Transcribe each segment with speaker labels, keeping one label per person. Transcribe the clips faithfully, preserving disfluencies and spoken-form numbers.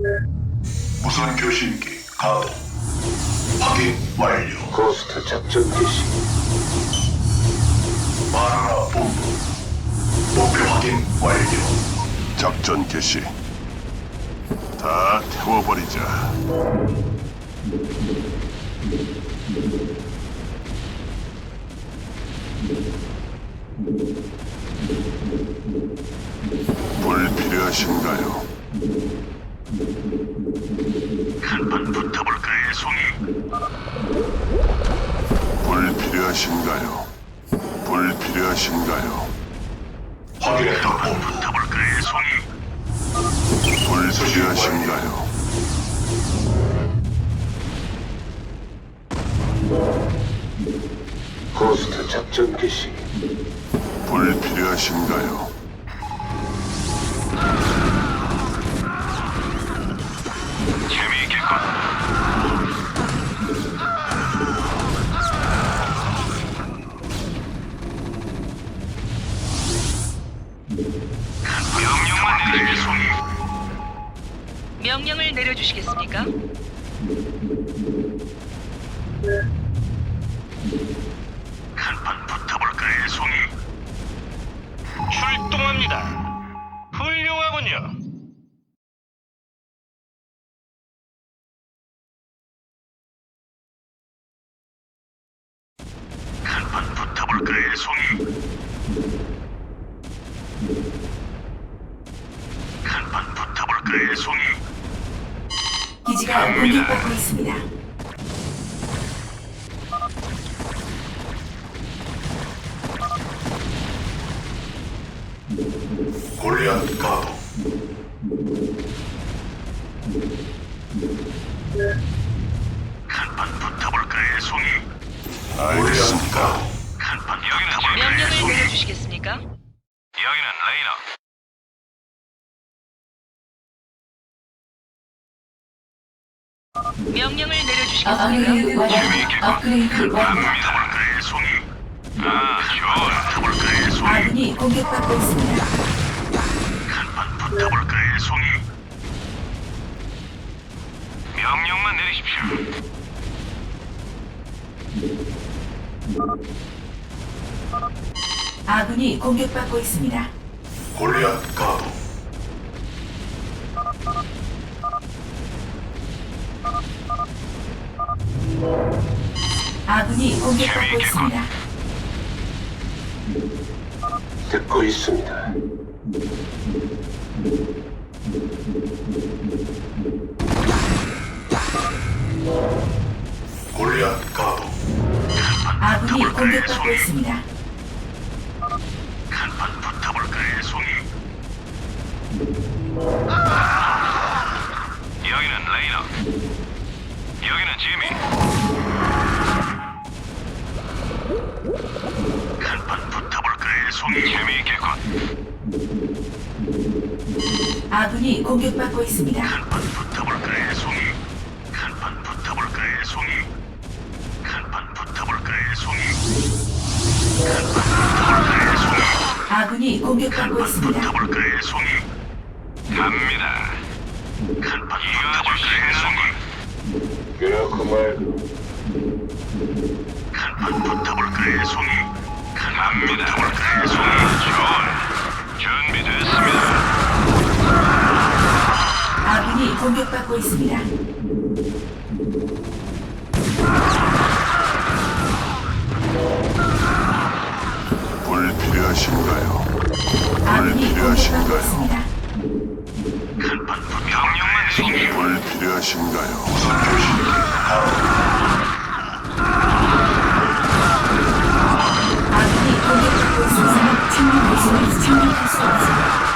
Speaker 1: 무선 교신기 가동. 확인 완료.
Speaker 2: 고스트 작전 개시.
Speaker 1: 마누라 본부. 목표 확인 완료.
Speaker 3: 작전 개시. 다 태워버리자. 불 필요하신가요?
Speaker 1: 한판 붙어볼까요, 송이?
Speaker 3: 불 필요하신가요? 불 필요하신가요?
Speaker 1: 확인했다 본부. 붙어볼까요, 송이?
Speaker 3: 불 필요하신가요?
Speaker 2: 고스트 작전 개시.
Speaker 3: 불 필요하신가요?
Speaker 1: 재미있겠군. 명령만 내리게, 송이.
Speaker 4: 명령을 내려주시겠습니까?
Speaker 1: 한판 붙어볼까요, 송이? 출동합니다. 훌륭하군요. 한판 붙어볼까요, 송이? 한판 붙어볼까요, 송이?
Speaker 5: 기지가 공격받고 있습니다.
Speaker 1: 골리앗 가동. 한판 붙어볼까요, 송이?
Speaker 3: 알겠습니다.
Speaker 1: 골리앗 가동. 한판 붙어볼까요,
Speaker 4: 명령을
Speaker 1: 송이?
Speaker 4: 내려주시겠습니까?
Speaker 1: 여기는 레이너.
Speaker 4: 명령을
Speaker 5: 업그레이드
Speaker 4: 내려주시겠습니까?
Speaker 5: 완료. 업그레이드 완료.
Speaker 1: 붙어볼까요, 송이? 아, 좋아. 붙어볼까요, 송이?
Speaker 5: 아군이 공격받고 있습니다.
Speaker 1: 한판 붙어볼까요, 송이? 명령만 내리십시오.
Speaker 5: 아군이 공격받고 있습니다.
Speaker 1: 골리앗 가동.
Speaker 5: 아군이 공격받고 있습니다.
Speaker 2: 듣고 있습니다.
Speaker 1: 골리앗 가동.
Speaker 5: 아군이 공격받고 있습니다.
Speaker 1: 한판 붙어볼까요, 송이? 여기는 레이너. 여기는 지미. 한판 붙어볼까요, 송이? 재미있겠군.
Speaker 5: 아군이 공격받고 있습니다.
Speaker 1: 한판 붙어볼까요, 송이? 한판 붙어볼까요, 송이? 한판 붙어볼까요, 송이? 한판 붙어볼까요, 송이?
Speaker 5: 아군이 공격받고
Speaker 1: 한판
Speaker 5: 있습니다.
Speaker 1: 붙어볼까요, 송이? 갑니다. 한판 붙어볼까요, 송이?
Speaker 2: 그렇고 말고.
Speaker 1: 한판 붙어볼까요, 송이? 한판 붙어볼까요, 송이? 좋아. 준비됐습니다.
Speaker 5: 아군이 공격받고 있습니다.
Speaker 3: 불 필요하신가요?
Speaker 5: 아군이 공격받고
Speaker 3: 필요하신가요?
Speaker 5: 있습니다.
Speaker 1: 한판 명령만 송이.
Speaker 3: 불 필요하신가요?
Speaker 1: 우선 교신기
Speaker 5: 아군이 공격받고 있습니다. 창문 모습을 착륙할 수 없습니다.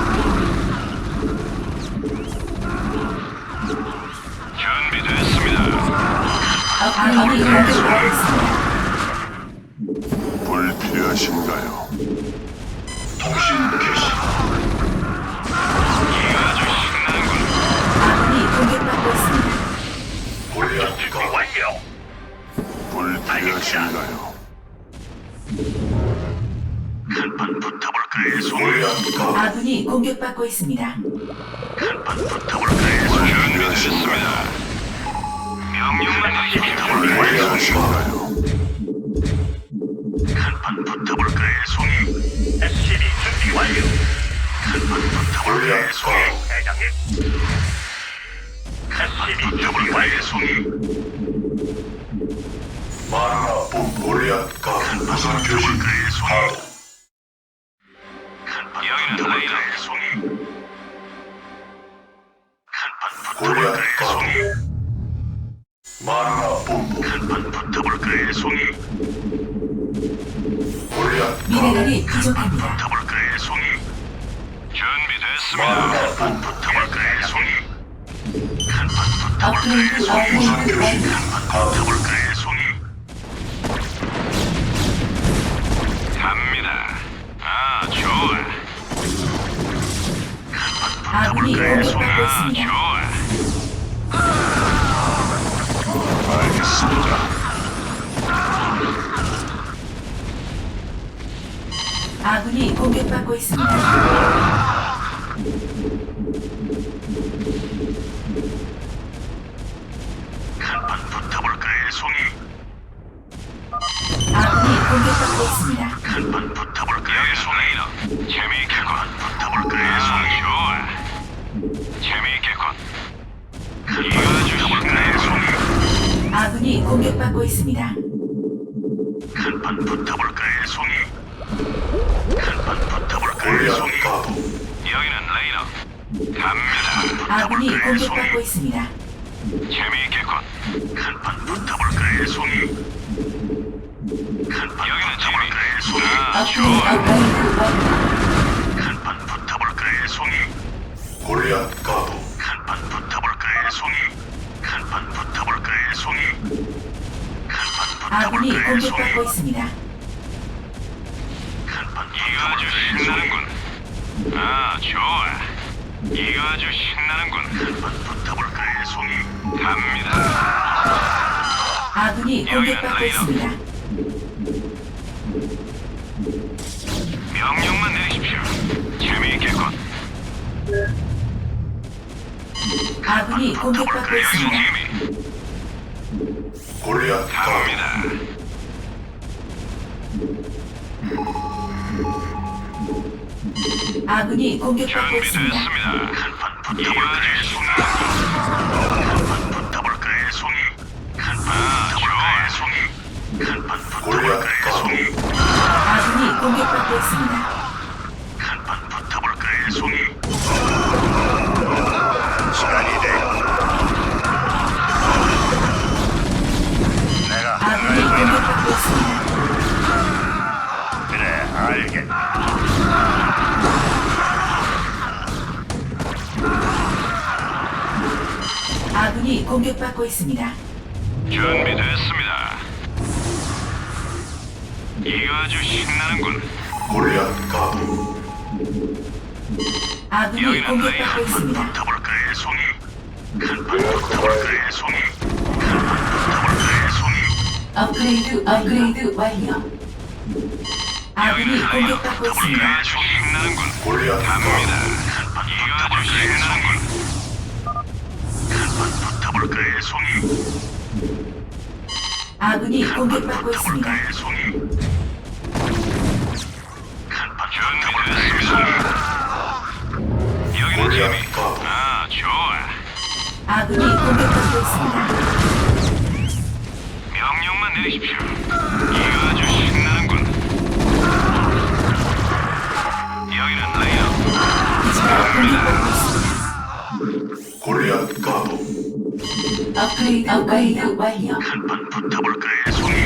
Speaker 1: 준비됐습니다.
Speaker 5: 아군이 공격받고 있습니다.
Speaker 3: 불 필요하신가요?
Speaker 1: 통신 개시. 아주 신나는군.
Speaker 5: 아군이 공격받고 있습니다.
Speaker 1: 골리앗 가동. 완료.
Speaker 3: 불 필요하신가요?
Speaker 1: 한판 붙어볼까요, 송이? 골리앗 가동.
Speaker 5: 아군이 공격받고 있습니다.
Speaker 1: 한판 붙어볼까요, 송이?
Speaker 3: 준비되었습니다.
Speaker 1: 명령만 내리십시오.
Speaker 3: 완료하신가요?
Speaker 1: 한판 붙어볼까요, 송이? 에스시비 준비 완료. 한판 붙어볼까요, 송이? 대장님. 에스시비 준비 완료, 송이.
Speaker 3: 마라 본골리앗 가 무선 교신 하도
Speaker 1: 여기는 붙어볼까요, 송이? 한판
Speaker 3: 골리앗
Speaker 1: 붙어볼까요,
Speaker 3: 가
Speaker 1: 송이?
Speaker 3: 마라 본부
Speaker 1: 한판 붙어볼까요, 송이?
Speaker 3: 골리앗
Speaker 5: 미네랄이 부족합니다.
Speaker 1: 붙어볼까요, 송이? 준비됐습니다.
Speaker 3: 마라
Speaker 1: 한판
Speaker 3: 본부
Speaker 1: 붙어볼까요, 송이? 한판
Speaker 5: 업그레이드
Speaker 1: 붙어볼까요, 송이?
Speaker 5: 업그레이드 완료.
Speaker 1: 한판 붙어볼까요, 송이? 갑니다. 아, 좋아.
Speaker 5: 아군이
Speaker 1: 붙어볼까요, 송이?
Speaker 5: 공격받고
Speaker 1: 아,
Speaker 5: 있습니다.
Speaker 1: 좋아.
Speaker 3: 알겠습니다.
Speaker 5: 아군이 공격받고 있습니다.
Speaker 1: 한판 붙어볼까요, 송이?
Speaker 5: 아군이 공격받고 있습니다.
Speaker 1: 한판 붙어볼까요, 송이? 재미있겠군. 붙어볼까요, 송이? 좋아. 재미있겠군. 이거 주실까요, 송이?
Speaker 5: 아군이 공격받고 있습니다.
Speaker 1: 한판 붙어볼까요, 송이? 한판 붙어볼까요,
Speaker 3: 골리앗
Speaker 1: 송이?
Speaker 3: 가도
Speaker 1: 여기는 레이더. 갑니다.
Speaker 5: 아군이
Speaker 1: 붙어볼까요, 송이?
Speaker 5: 공격받고 있습니다.
Speaker 1: 재미있겠군. 한판 붙어볼까요, 송이? 한판 붙어볼까요, 송이? 아,
Speaker 5: 업그레이드
Speaker 1: 좋아.
Speaker 5: 업그레이드 완료.
Speaker 1: 한판 붙어볼까요, 송이?
Speaker 3: 골리앗 가도
Speaker 1: 한판 붙어볼까요, 송이? 한판 붙어볼까요, 송이? 한판
Speaker 5: 아군이
Speaker 1: 붙어볼까요, 송이?
Speaker 5: 공격받고 있습니다.
Speaker 1: 한판 이거 아주 신나는군. 아, 좋아. 이거 아주 신나는군. 한판 붙어볼까요, 송이? 갑니다.
Speaker 5: 아군이 공격받고 있습니다.
Speaker 1: 명령만 내리십시오. 재미있겠군.
Speaker 5: 아군이 공격받고
Speaker 1: 여기는
Speaker 5: 있습니다.
Speaker 1: 재미.
Speaker 3: 골리앗 가도
Speaker 1: 갑니다.
Speaker 5: 아군이 공격받고 있습니다.
Speaker 1: 준비됐습니다. 한판 붙어볼까요, 송이? 한판 붙어볼까요, 송이? 한판 붙어볼까요, 송이? 한판 붙어볼까요, 송이?
Speaker 5: 아군이 공격받고 있습니다.
Speaker 1: 한판 붙어볼까요, 송이? 시간이 돼. 내가
Speaker 5: 아군이 공격받고 있습니다.
Speaker 1: 그래, 알겠다.
Speaker 5: 아군이 공격받고 있습니다.
Speaker 1: 준비됐습니다. 이거 아주 신나는군.
Speaker 3: 골리앗 가도
Speaker 5: 아군이
Speaker 1: 여기는 레이더.
Speaker 5: 공격받고
Speaker 1: 한판
Speaker 5: 있습니다.
Speaker 1: 붙어볼까요, 송이? 한판 붙어볼까요, 송이? 한판 붙어볼까요, 송이?
Speaker 5: 업그레이드 업그레이드 완료. 아군이 공격받고 있습니다.
Speaker 1: 아주 신나는군.
Speaker 3: 골리앗
Speaker 1: 갑니다.
Speaker 3: 가도
Speaker 1: 이거 아주 신나는군. 한판 붙어볼까요, 송이?
Speaker 5: 아군이 공격받고 있습니다.
Speaker 1: 붙어볼까요, 송이? 한판 붙어볼까요, 송이? 여기는 재미.
Speaker 3: 골리앗 가도
Speaker 1: 아, 좋아.
Speaker 5: 아군이 공격받고 있습니다.
Speaker 1: 명령만 내리십시오. 이거 아주 신나는군. 여기는 레이더.
Speaker 5: 기지가 공격받고 있습니다.
Speaker 3: 골리앗 가도
Speaker 5: 업그레이드 업그레이드 완료.
Speaker 1: 한판 붙어볼까요, 송이?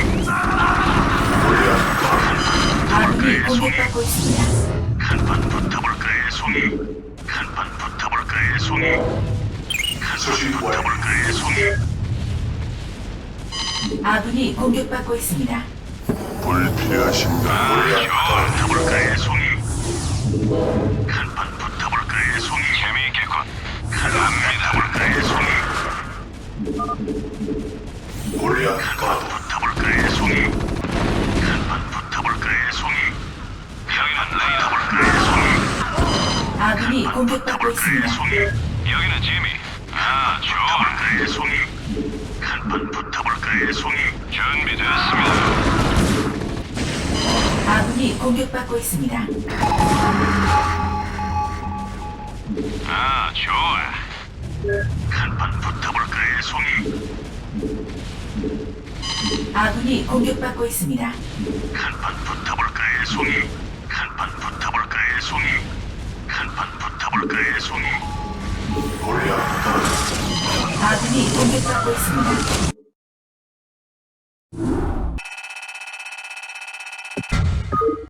Speaker 3: 골리앗 가도
Speaker 5: 아군이 공격받고 있습니다.
Speaker 1: 한판 붙어볼까요, 송이? 한판 붙어볼까요, 송이?
Speaker 3: 수신
Speaker 1: 한판
Speaker 3: 완료.
Speaker 1: 붙어볼까요, 송이?
Speaker 5: 아군이 공격받고 있습니다.
Speaker 3: 불필요하신가?
Speaker 1: 아,
Speaker 3: 골리앗
Speaker 1: 좋아.
Speaker 3: 가도
Speaker 1: 붙어볼까요, 송이? 한판 붙어볼까요, 송이? 재미있겠군. 한판 붙어볼까요, 송이?
Speaker 3: 골리앗
Speaker 1: 한판
Speaker 3: 가도
Speaker 1: 붙어볼까요, 송이? 한판 붙어볼까요, 송이? 여기는 레이더. 붙어볼까요, 송이?
Speaker 5: 아군이 공격받고
Speaker 1: 붙어볼까요,
Speaker 5: 있습니다.
Speaker 1: 송이? 여기는 지미. 아, 좋아.
Speaker 3: 송이. 한판 붙어볼까요, 송이?
Speaker 1: 준비됐습니다.
Speaker 5: 아군이 공격받고 있습니다.
Speaker 1: 아, 좋아.
Speaker 3: 한판 붙어볼까요, 송이?
Speaker 5: 아군이 공격받고 있습니다.
Speaker 3: 한판 붙어볼까요, 송이? 한판 붙어볼까요, 송이? 한판 붙어볼까요, 송이? 골리앗 가도
Speaker 5: 아군이 공격받고 있습니다.